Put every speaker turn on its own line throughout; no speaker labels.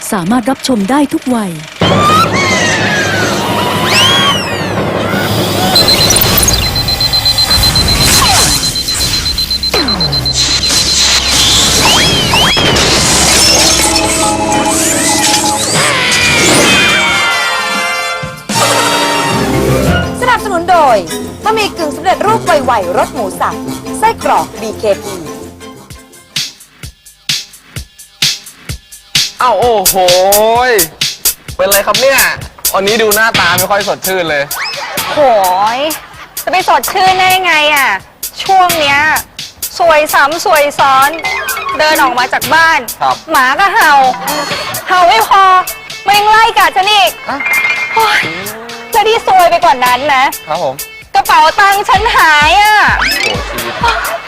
สามารถรับชมได้ทุกวัย
สนับสนุนโดยบะหมี่กึ่งสำเร็จรูปไวๆรสหมูสับไส้กรอก BKP
อ้าวโอ้โหเป็นไรครับเนี่ยวันนี้ดูหน้าตาไม่ค่อยสดชื่นเลย
โหยจะไปสดชื่นได้ไงอ่ะช่วงเนี้ยสวยซ้ำสวยซ้อนเดินออกมาจากบ้านหมาก็เห่าไม่พอมันยังไล่กัดฉันอีกจะที่ซวยไปกว่านั้นนะครับ
ผม
กระเป๋าตังค์ฉันหายอ่ะ
โอ้ชีวิต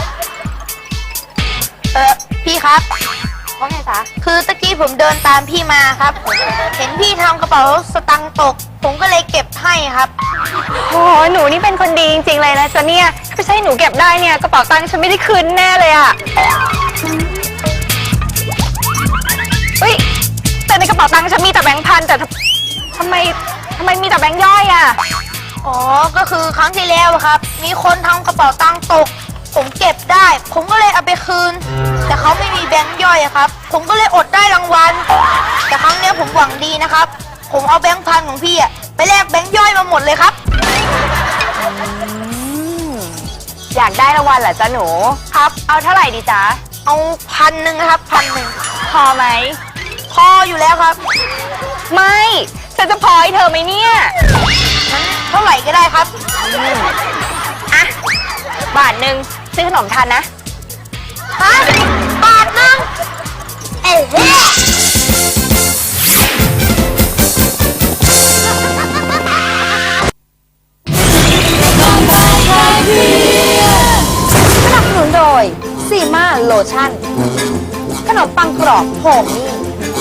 พี่ครับว่าไงจ๊ะคือตะกี้ผมเดินตามพี่มาครับเห็นพี่ทำกระเป๋าสตังค์ตกผมก็เลยเก็บให้ครับ
โหหนูนี่เป็นคนดีจริงๆเลยนะจ๊ะเนี่ยถ้าไม่ใช่หนูเก็บได้เนี่ยกระเป๋าตังค์ฉันไม่ได้คืนแน่เลยอ่ะเฮ้ยแต่ในกระเป๋าตังค์ฉันมีแต่แบงค์พันแต่ทำไมมีแต่แบงค์ย่อยอ่ะ
อ๋อก็คือครั้งที่แล้วครับมีคนทำกระเป๋าตังค์ตกผมเก็บได้ผมก็เลยเอาไปคืนแต่เขาไม่มีแบงค์ย่อยครับผมก็เลยอดได้รางวัลแต่ครั้งนี้ผมหวังดีนะครับผมเอาแบงค์พันของพี่ไปแลกแบงค์ย่อยมาหมดเลยครับ
อยากได้รางวัลเหรอจ๊ะหนูครับเอาเท่าไหร่ดีจ๊ะ
เอา1,000นะครับ1,000
พอไหม
พออยู่แล้วครับ
ไม่ฉันจะพอให้เธอไหมเนี่ย
งั้นเท่าไหร่ก็ได้ครับ
อ่ะบาทหนึ่งซื้อขนมทานนะ
ฮะบาทนึงเอ๊ะ
สนับสนุนโดยซีมาโลชั่นขนมปังกรอบโฮมมี่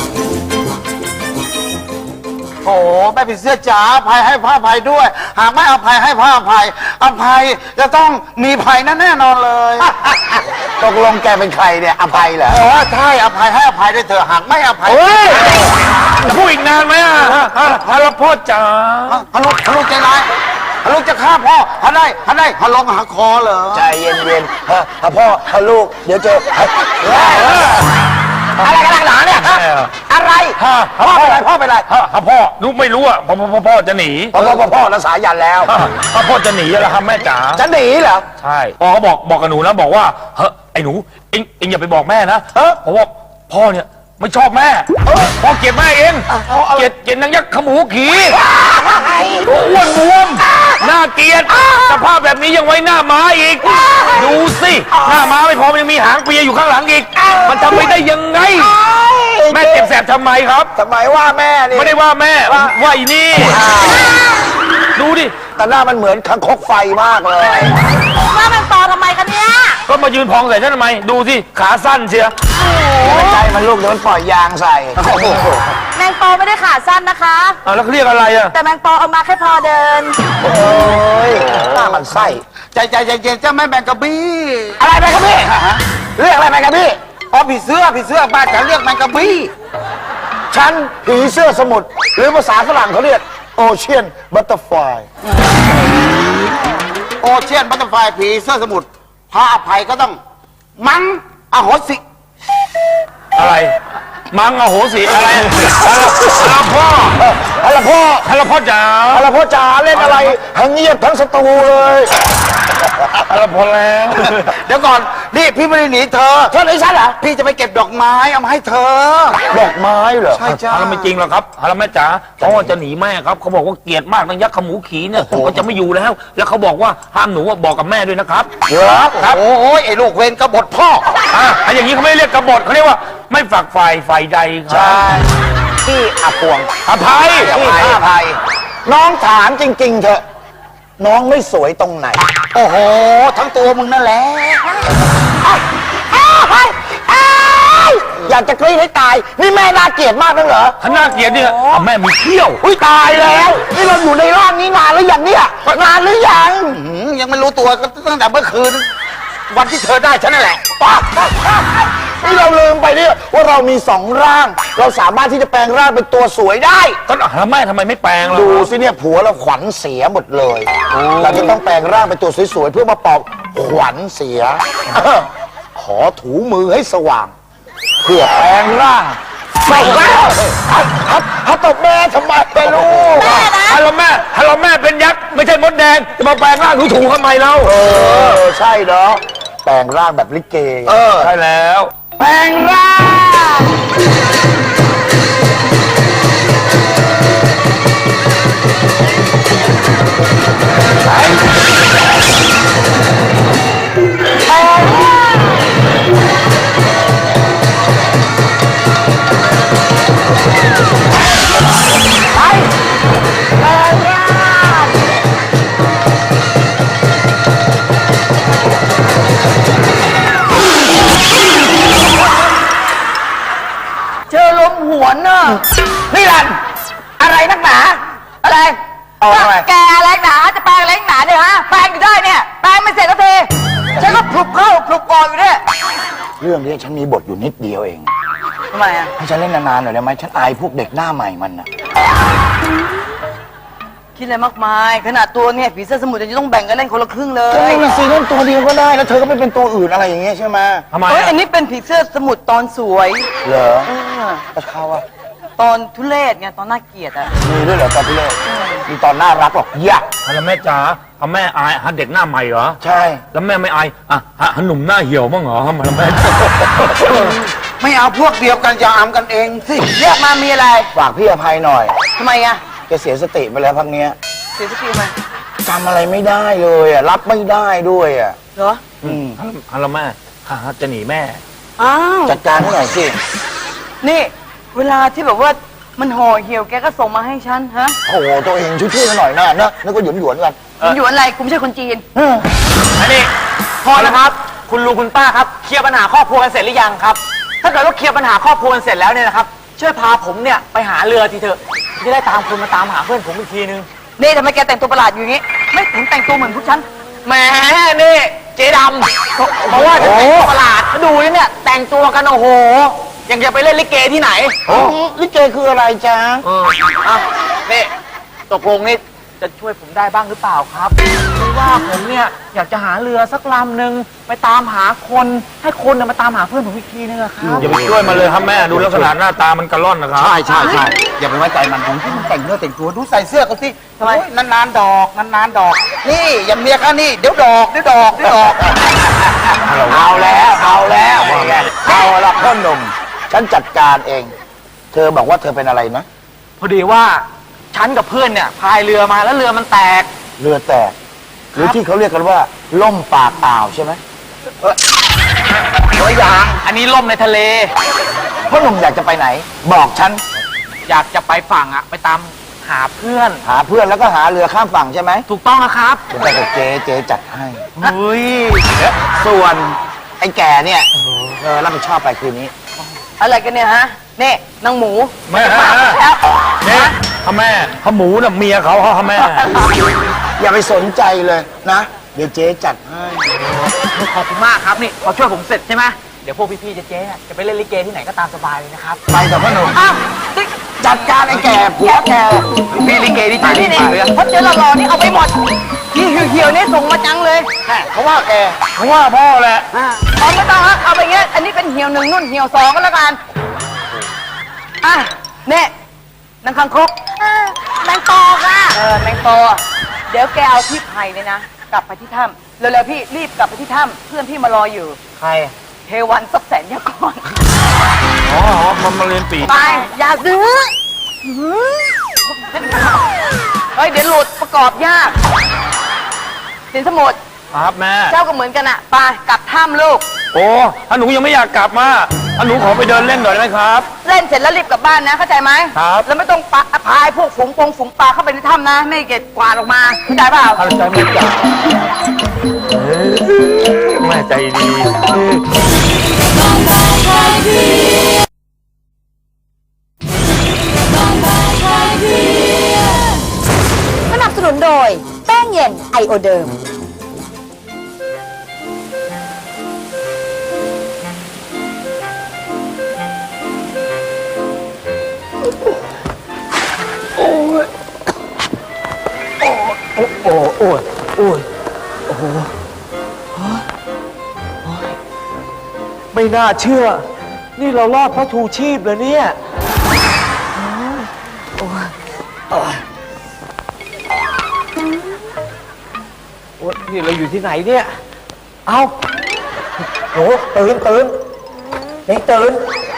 โอ้แม่ผีเสื้อจ๋าอภัยให้ผ้าภัยด้วย หากไม่อภัยให้ผ้าภัยอภัยจะต้องมีภัยนั่นแน่นอนเลยตกลงแกเป็นใครเนี่ยอภัยเหรอใช่อภัยให้อภัยด้วยเถอะหากไม่อภัย
จะพูดอีกนานไหมอ่ะฮาลพ่อจ๋า
ฮารุใจร้ายฮารุจะฆ่าพ่อฮาได้ฮาลงหาคอเหรอใจเย็นๆพ่อฮาลูกเดี๋ยวเจออะไรกันหนาเนี่ยอะไรพ่อไปไร
พ่อลูกไม่รู้อ่ะพ่อจะหนี
พ่อรักษายันแล้ว
พ่อจะหนีแล้วครับแม่จ๋า
จะหนีเหรอ
ใช่พ่อเขาบอกกับหนูนะบอกว่าเฮ้ยไอ้หนูเอ็งอย่าไปบอกแม่นะเพราะว่าพ่อเนี่ยไม่ชอบแม่พ่อเกลียดแม่เองเกลียดนางยักษ์ขมูขี่อ้วนบวมน่าเกลียดสภาพแบบนี้ยังไว้หน้าม้าอีกดูสิหน้าม้าไม่พอมันยังมีหางเปียอยู่ข้างหลังอีกมันทำไปได้ยังไงแม่เจ็บแสบทำไมครับ
ทำไมว่าแม่นี่
ไม่ได้ว่าแม่ว่าอีนี่ดูดิ
แต่หน้ามันเหมือนคังคกไฟมากเลย
ว่ามันต่อทำไมกันเนี่ย
ก็มายืนพองใส่ฉันทำไมดูสิขาสั้นเชียว
ไม่ใช่มันลูกเดี๋ยวมันปล่อยยางใส่
แมงปอไม่ได้ขาสั้นนะคะ
แล้วเขาเรียกอะไรอ่ะ
แต่แมงปอเอามาแค่พอเดิน
โอ้ยหน้ามันไส้ใจเย็นเจ้าแม่แมงกะบี้
อะไรแมงกะบี้
เรียกอะไรแมงกะบี้อ๋อผีเสื้อบ้านฉันเรียกแมงกะบี้ฉันผีเสื้อสมุทรหรือภาษาฝรั่งเขาเรียกโอเชียนบัตเตอร์ไฟโอเชียนบัตเตอร์ไฟผีเสื้อสมุทรพระอภัยก็ต้องมั้งอโหสิ
อะไรมังอโหสิอะไรฮาลพ่อจ๋า
เล่นอะไรทั้งเงียบทั้งสตูเลย
ฮาลพ่อแล้ว
เดี๋ยวก่อนนี่พี่ไม่ได้หนีเธอหนีฉันเหรอพี่จะไปเก็บดอกไม้เอามาให้เธอดอกไม้เหรอ
ใช่จ้าไม่จริงหรอกครับฮาลแม่จ๋าพ่อจะหนีแม่ครับเขาบอกว่าเกลียดมากนางยักษ์ขมูขี่เนี่ยเขาจะไม่อยู่แล้วเขาบอกว่าห้ามหนูบอกกับแม่ด้วยนะครับ
ครับโอ้ยไอ้ลูกเวรกบฏพ่อ
อย่างนี้เขาไม่เรียกกบฏเขาเรียกว่าไม่ฝักใฝ่ใดครับ
พี่อาปวง
อภัย
พี่อภัยน้องถามจริงๆเถอะน้องไม่สวยตรงไหนโอ้โหทั้งตัวมึงนั่นแหละอยากจะกรี๊ดให้ตายนี่แม่น่าเกลียดมากนั่นเหรอ
ถ้าน่าเกลียดเนี่ยแม่มีเขี้ยว
ตายแล้วนี่เราอยู่ในร่างนี้นานหรือยังเนี่ยนานหรือยังยังไม่รู้ตัวก็ตั้งแต่เมื่อคืนวันที่เธอได้ฉันนั่นแหละนี่เราลืมไปเนี่ยว่าเรามีสองร่าง เราสามารถที่จะแปลงร่างเป็นตัวสวยได้
ก็แล้วแม่ทำไมไม่แปลงล่ะ
ดูสิเนี่ยผัวเราขวัญเสียหมดเลย เราจะต้องแปลงร่างเป็นตัวสวยๆเพื่อมาปลอบขวัญเสีย ขอถูมือให้สว่าง เพื่อแปลงร่างตบแล้วถ้าตบแม่ทำไมไปลูก
ฮัลโหลแม่เป็นยักษ์ไม่ใช่มดแดงจะมาแปลงร่างถูทำไมเรา
ใช่เนาะแปลงร่างแบบลิเก
ใช่แล้ว
แปลงร่าง
เจอลมหวนน่ะ
นี่ลันอะไรนักหนา
อะไร
เอาทำไม
แกอะไรหนาจะแปลงอะไรหนาเนี่ยฮะแปลงอยู่ได้เนี่ยแปลงไม่เสร็จสักทีฉันก็พลุบเข้าพลุบออกอยู่เนี่ย
เรื่องนี้ฉันมีบทอยู่นิดเดียวเอง
ทำไมอ่ะ
ให้ฉันเล่นนานๆหน่อยได้ไหมฉันอายพวกเด็กหน้าใหม่มันนะ
คิดอะไรมากมายขนาดตัวเนี่ยผีเสื้อสมุทรจะต้องแบ่งกันเล่นคนละครึ่งเล
ก็
ย
นั่นน่ะสิเล่นตัวเดียวก็ได้แล้วเธอก็ไม่เป็นตัวอื่นอะไรอย่างเงี้ยใช่ไหม
ทำไม
เฮ้ย
อะ
อันนี้เป็นผีเสื้อสมุทรตอนสวย
เหรอ
เออ
แล้วเขาอะ
ตอนทุเรศไงตอนน่าเกลียดอ่ะ
มีด้วยเหรอตอนที่เล่นมีตอนน่ารักหรอกยะ
แล้วแม่จ๋าแม่อายเด็กหน้าใหม่เหรอ
ใช่
แล้วแม่ไม่อายหนุ่มหน้าเหี่ยวบ้างเหรอแล้วแม่
ไม่เอาพวกเดียวกันจะอำกันเองสิ
เรียกมามีอะไร
ฝากพี่อภัยหน่อย
ทำไมอ่ะ
แกเสียสติไปแล้วพักเนี้ย
เสียสติไหม
จำอะไรไม่ได้เลยอะรับไม่ได้ด้วยอะ
เหรอ
แล้วแม่จะหนีแม่
อ้าว
จัดการให้หน่อยสิ
นี่ เวลาที่แบบว่ามันห่อเหี่ยวแกก็ส่งมาให้ฉันฮะ
โอ้โหตัวเองช่วยๆกันหน่อยนะเนอะนึกว่าหยวนๆกัน
มันอยู่อะไรกูไม่ใช่คนจีน
อันนี้พอแล้วครับ คุณลุงคุณป้าครับเคลียร์ปัญหาครอบครัวกันเสร็จหรือยังครับ ถ้าเกิดว่าเคลียร์ปัญหาครอบครัวกันเสร็จแล้วเนี่ยนะครับช่วยพาผมเนี่ยไปหาเรือทีเถอะจะได้ตามคุณมาตามหาเพื่อนผมอีกทีนึง
นี่ทำไมแกแต่งตัวประหลาดอยู่อย่างงี้ ไม่เห็นแต่งตัวเหมือนพวกฉัน
แหมนี่เจ๊ดำเพราะว่าจะแต่งตัวประหลาดดูนี่เนี่ยแต่งตัวกันโอ้โหยังจะไปเล่นลิเกที่ไหน
ลิเกคืออะไรจ๊ะ
อ่ะนี่ตกลงนี่จะช่วยผมได้บ้างหรือเปล่าครับคือว่าผมเนี่ยอยากจะหาเรือสักลำหนึ่งไปตามหาคนให้คนน่ะมาตามหาเพื่อนผมอีกทีนึงอะครับ
อย่าไปช่วยมันเลยครับแม่ดูลักษณะหน้าตามันกระล่อนนะครับ
ใช่อย่าไปไว้ใจมันผมที่มันแต่งเนื้อแต่งตัวดูใส่เสื้อเขาสิทำไมนานๆดอกนานๆดอก นี่อย่าเมียกันนี่เดี๋ยวดอกเอาแล้วเอาละพ่อหนุ่มฉันจัดการเอง เธอบอกว่าเธอเป็นอะไรนะ
พอดีว่าฉันกับเพื่อนเนี่ยพายเรือมาแล้วเรือมันแตก
เรือแตกหรือที่เขาเรียกกันว่าล่มปากอ่าวใช่ไหม
ตัวอย่างอันนี้ล่มในทะเล
พ่อหนุ่มอยากจะไปไหน บอกฉัน
อยากจะไปฝั่งอะไปตามหาเพื่อน
หาเพื่อนแล้วก็หาเรือข้ามฝั่งใช่ไหม
ถูกต้องนะครับ
ผมไปกับเจ๊จัดให้
อุ้ย
ส่วนไอ้แก่เนี่ยรับผิดชอบไปคืนนี้
อะไรกันเนี่ยฮะ นี่นางหมู
แม่
มาแล้ว
เนี่ยแม่เขาหมูน่ะเมียเขาแม่
อย่าไปสนใจเลยนะ เดี๋ยวเจ๊จัดให้
ขอบคุณมากครับนี่พอช่วยผมเสร็จใช่ไหมเดี๋ยวพวกพี่ๆเจ๊ๆเนี่ยจะไปเล่นลิเกที่ไหนก็ตามสบายเลยนะครับ
ไปกับพ่อหนุ่ม
อ้าวนี่
จัดการไอ้แก่ผัวแก
พี่ลิเกที่ใจดี
นี่
มากเลย
ถ้าเจอหล่อๆนี่เอาไปหมดที่เหี่ยวๆนี่ส่งมาจังเลย
เขาว่าแก
เพราะว่าพ่อแหละ
เอาไม่ต้องฮะเอาไปเงี้ยอันนี้เป็นเหี่ยวหนึ่งนุ่นเหี่ยวสองก็แล้วกันอ่ะเนี่ยนางคังคก
แมงปอค่ะ
แมงปอเดี๋ยวแกเอาพี่ไผ่เลยนะ กลับไปที่ถ้ำเร็วๆพี่รีบกลับไปที่ถ้ำเพื่อนพี่มารออยู่
ใคร
เทวันซับแสนยากร
อ๋อมันมาเรียนปี
ไปอย่าซื้อเฮ้ยเดี๋ยวหลุดประกอบยากสินสมุทร
ครับแม่
เจ้าก็เหมือนกันอะไปกลับถ้ำลูก
โอ้ถ้าหนูยังไม่อยากกลับมาถ้าหนูขอไปเดินเล่นหน่อยได้ไหมครับ
เล่นเสร็จแล้วรีบกลับบ้านนะเข้าใจไหม
ครับ
แล้วไม่ต้องพายพวกฝูงปลาเข้าไปในถ้ำนะ ไม่เก็บกวาดออกมาเข้าใจเปล่า
เข้าใจไหมจ๊ะแม่ใจดี
สนับสนุนโดยแป้งเย็นไอโอเดิม
โอ้โอ้โอ้ยโอ้ยโอ้โหไม่น่าเชื่อ นี่เรารอดเพราะทูชีพเลยเนี่ยโอ้ยนี่เราอยู่ที่ไหนเนี่ย เอาโหตื่นตื่นเด็กตื่น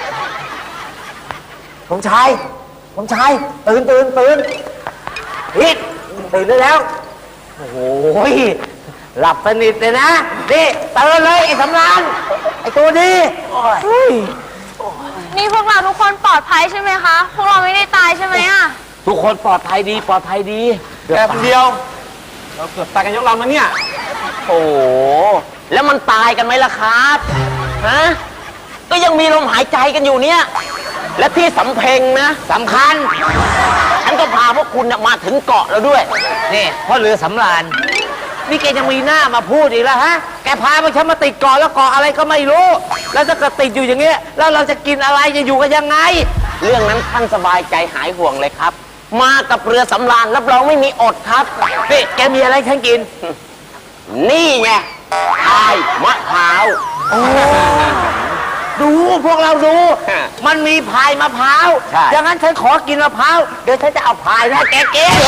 ผมชายตื่นฮิตตื่นได้แล้ว โอ้โหหลับสนิทเลยนะ นี่ตื่นเลยไอ้สำรานไอ้ตัวนี้เฮ้ย
นี่พวกเราทุกคนปลอดภัยใช่ไหมคะ พวกเราไม่ได้ตายใช่ไหมอะ
ทุกคนปลอดภัยดีแค่คนเดียว เราเกือบตายกันยกลำแล้วเนี่ย
โอ้โหแล้วมันตายกันไหมล่ะครับฮะก็ยังมีลมหายใจกันอยู่เนี่ย และที่สำเพ็งนะสำคัญ ฉันก็พาพวกคุณน่ะมาถึงเกาะแล้วด้วย
นี่พ่อเรือสำราญนี่แกยังมีหน้ามาพูดอีกแล้วฮะ แกพาพวกฉันมาติดเกาะแล้วเกาะอะไรก็ไม่รู้ แล้วถ้าเกิดติดอยู่อย่างเงี้ย แล้วเราจะกินอะไรจะอยู่กันยังไง
เรื่องนั้นท่านสบายใจหายห่วงเลยครับ มากับเรือสำราญรับรองไม่มีอดครับ
นี่แกมีอะไรให้ฉันกิน
นี่ไงพายมะพร้าว
ดูพวกเราดู
ฮะ
มันมีพายมะพร้าว
ใช่
อย่างนั้นฉันขอกินมะพร้าว เดี๋ยวฉันจะเอาพายให้แกกิน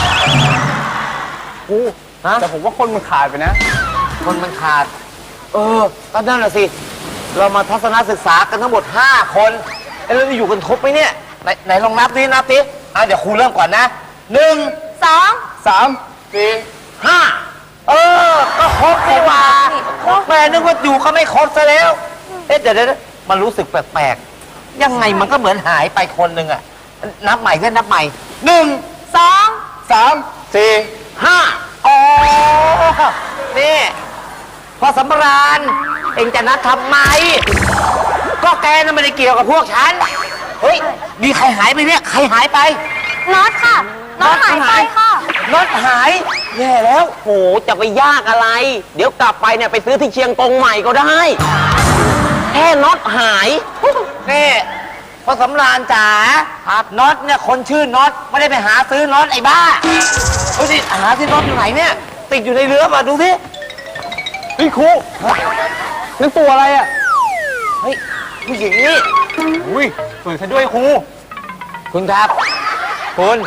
แต่ผมว่าคนมันขาดไปนะ คนมันขาด ก็นั่นแหละสิ เรามาทัศนศึกษากันทั้งหมด 5 คนแล้วเราอยู่กันครบไหมเนี่ย ไหนลองนับดิเดี๋ยวครูเริ่มก่อนนะ 1
2
3 4 5ก็ครบดีกว่าแม่นึกว่าอยู่ก็ไม่ครบซะแล้ว เดี๋ยวมันรู้สึกแปลกๆ ยังไงมันก็เหมือนหายไปคนหนึ่งอะนับใหม่ก็นับใหม่1 2 3 4 5อ๋อนี่พอสำราญเองจะนัดทำไม ก็แกน่ะไม่ได้เกี่ยวกับพวกฉัน เฮ้ย มีใครหายไปเนี่ย ใครหายไป
น็อตค่ะ น็อตหายไปค่ะ
น็อตหายแย่แล้ว
โหจะไปยากอะไร เดี๋ยวกลับไปเนี่ยไปซื้อที่เชียงกงใหม่ก็ได้ แค่น็อตหาย
นี่พอสำราญจ๋าครับน็อตเนี่ยคนชื่อน็อตไม่ได้ไปหาซื้อน็อตไอ้บ้าดูสิหาที่น็อตอยู่ไหนเนี่ยติดอยู่ในเรือป่ะดูสิเฮ้ยครูนั่นตัวอะไรอ่ะเฮ้ยผู้หญิงนี่อุ้ยสวยซะด้วยครูคุณครับคุณ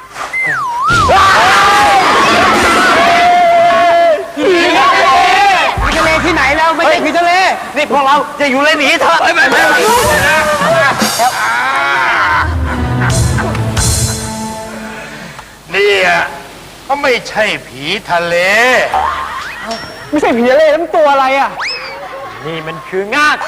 ผีทะเลที่ไหนแล้วไม่ใช่ผีทะเลนี่พวกเราจะอยู่เลยหนีเถอะไม่
นี่อ่ะก็ไม่ใช่ผีทะเล
ไม่ใช่ผีทะเลแล้วมันตัวอะไรอ่ะนี่มันคืองาก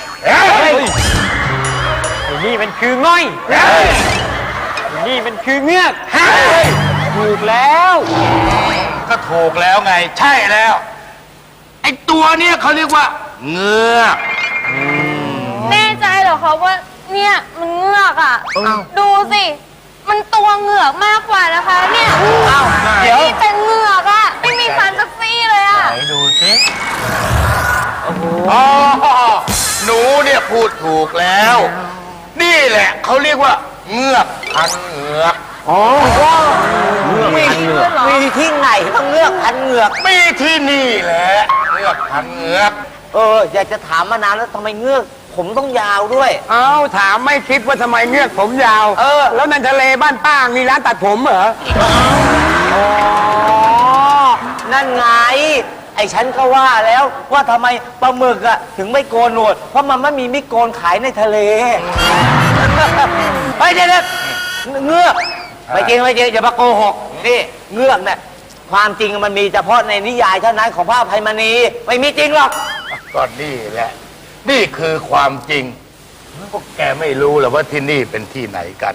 นี่มันคือง่อยนี่มันคือเงือกถูกแล้ว
ก็ถูกแล้วไง ใช่แล้ว ไอ้ตัวเนี้ยเขาเรียกว่าเงือก
แน่ใจเหรอคะว่าเนี่ยมันเงือกอ่ะ ดูสิ มันตัวเหงือกมากกว่านะคะ เนี่ย นี่เป็นเหงือกอ่ะ ไม่มีฟันสักซี่เลยอ่ะ
ไหนดูสิอ๋อหนูเนี่ยพูดถูกแล้ว นี่แหละเขาเรียกว่าเงือกพันเหงือก
มีที่ไหนต้องเงือกพันเหงือก
มีที่นี่แหละเงือกพันเหงือก
อยากจะถามมานานแล้วทำไมเงือกผมต้องยาวด้วย
เอ้าถามไม่คิดว่าทำไมเงือกผมยาว แล้วนันทะเลบ้านป้ามีร้านตัดผมเหรอ
นั่นไง ไอ้ฉันก็ว่าแล้วว่าทำไมปลาหมึกอะถึงไม่โกนหนวด เพราะมันไม่มีมิโกนขายในทะเลเฮ้ยเดี๋ยวเงือกไม่จริงอย่ามาโกหกนี่เงือกเนี่ยความจริงมันมีเฉพาะในนิยายเท่านั้นของพระอภัยมณีไม่มีจริงหรอก
ก็นี่แหละ นี่คือความจริงพวกแกไม่รู้หรอว่าที่นี่เป็นที่ไหนกัน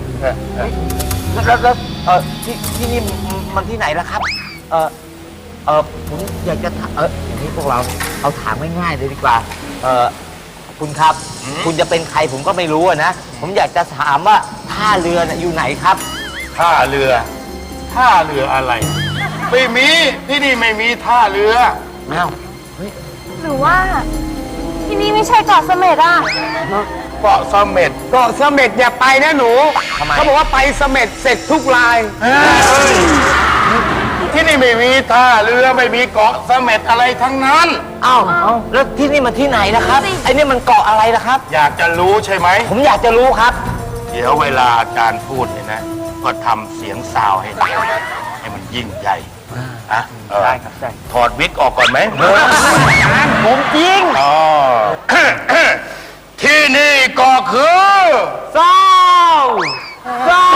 แล้วที่นี่มันที่ไหนล่ะครับ ผมอยากจะถามอย่างนี้พวกเราเอาถามง่ายๆเลยดีกว่าคุณครับ คุณจะเป็นใครผมก็ไม่รู้อะนะผมอยากจะถามว่าท่าเรือน่ะอยู่ไหนครับ
ท่าเรืออะไร ไม่มีที่นี่ไม่มีท่าเรือ
อ้าว
หรือว่า ที่นี่ไม่ใช่เกาะเสม็ดอ่ะ
เกาะเสม็ด
เกาะเสม็ดอย่าไปนะหนู
ทำไม
เขาบอกว่าไปเสม็ดเสร็จทุกราย
ท
ที่นี่ไม่มีท่าเรือไม่มีเกาะเสม็ดอะไรทั้งนั้น
อ้าวแล้วที่นี่มันที่ไหนนะครับ ไอ้นี่มันเกาะอะไรนะครับ
อยากจะรู้ใช่ไหม
ผมอยากจะรู้ครับ
เดี๋ยวเวลาอาจารย์พูดเนี่ยนะ ก็ทำเสียงซาวให้ได้ให้มันยิ่งใหญ่อะได้ครับได้ถอดวิกออกก่อนไหม
ผมจริง
อ๋อ ที่นี่ก็คือ
เศร้าเศร้า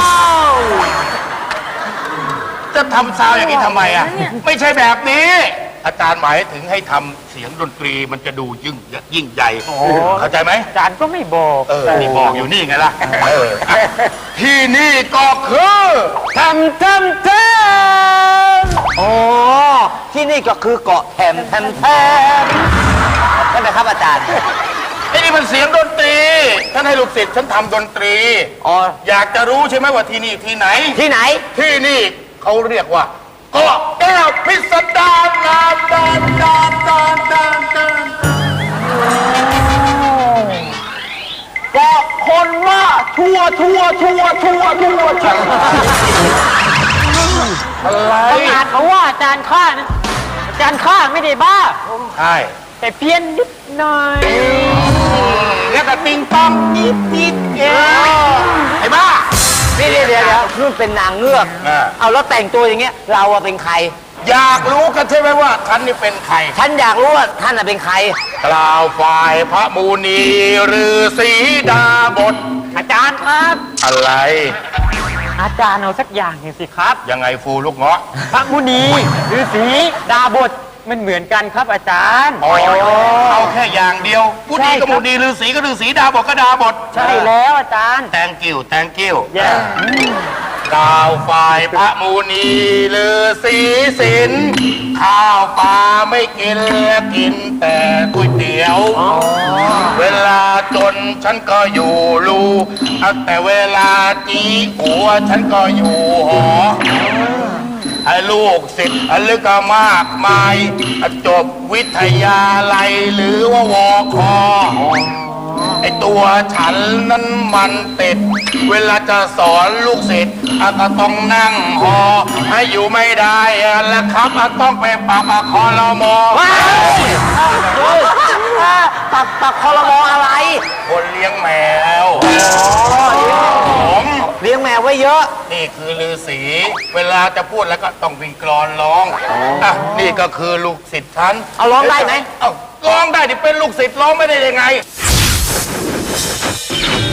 จะทำซาวอย่างนี้ทำไมอ่ะ ไม่ใช่แบบนี้ อาจารย์หมายถึงให้ทำเสียงดนตรีมันจะดูยิ่งใหญ่เข้าใจไหม
อาจารย์ก็ไม่บอก
นี่บอกอยู่นี่ไงล่ะที่นี่ก็คือ
ทำอ๋อที่นี่ก็คือเกาะแถมใช่ไหมครับอาจารย์
ไอ้นี่มันเสียงดนตรีท่านให้ลูกศิษย์ฉันทำดนตรี
อ๋อ
อยากจะรู้ใช่ไหมว่าที่นี่ที่ไหน
ที่ไหน
ที่นี่เขาเรียกว่าเกาะแก้วพิสดารนานเกาะคนว่าทั่วอะไร
ขนาดเขาว่าอาจารย์ข้านะอาจารย์ข้าไม่ได้บ้า
ใช่
แต่เพี้ยนนิดหน่อย
แล้วแต่ปิงปองนิดไอ้บ้า
เดี๋ยวนู่นเป็นนางเงือก
อ่า
เอาแล้วแต่งตัวอย่างเงี้ย เราอะเป็นใคร
อยากรู้กันใช่ไหมว่าท่านนี่เป็นใคร
ฉันอยากรู้ว่าท่านอะเป็นใคร
กล่าวฝ่ายพระมูนีฤาษีดาบท
อาจารย์ครับ
อะไร
อาจารย์เอาสักอย่างหนึ่งสิครับ
ยังไงฟูลูกเงาะ
พระมุนีฤาษีดาบทมันเหมือนกันครับอาจารย์
อ๋อเอาแค่อย่างเดียวผู้ดีก็มูนีฤาษีก็ฤาษีดาบทก็ดาบท
ใช่แล้วอาจารย์
thank you
แย่
กล่าวฝ่ายพระมูนีฤาษีศิลป์ข้าวปลาไม่กินกินแต่ก๋วยเตี๋ยว เวลาจนฉันก็อยู่รูแต่เวลาจีหัวฉันก็อยู่หอไอ้ลูกศิษย์ลึกก็มากมายจบวิทยาลัยหรือว่าวคไอ้ตัวฉันนั้นมันติด เวลาจะสอนลูกศิษย์ก็ต้องนั่งหอให้อยู่ไม่ได้แล้วครับต้องไปปรับคอรมอ
ปักคอรมออะไร
คนเลี้ยงแมวผม
เลี้ยงแมวไว้เยอะ
นี่คือฤาษีเวลาจะพูดแล้วก็ต้องวิ่งกลอนร้องอ่ะนี่ก็คือลูกศิษย์ฉัน
เอาร้องได้ไหม
เอาร้องได้ดิเป็นลูกศิษย์ร้องไม่ได้ยังไง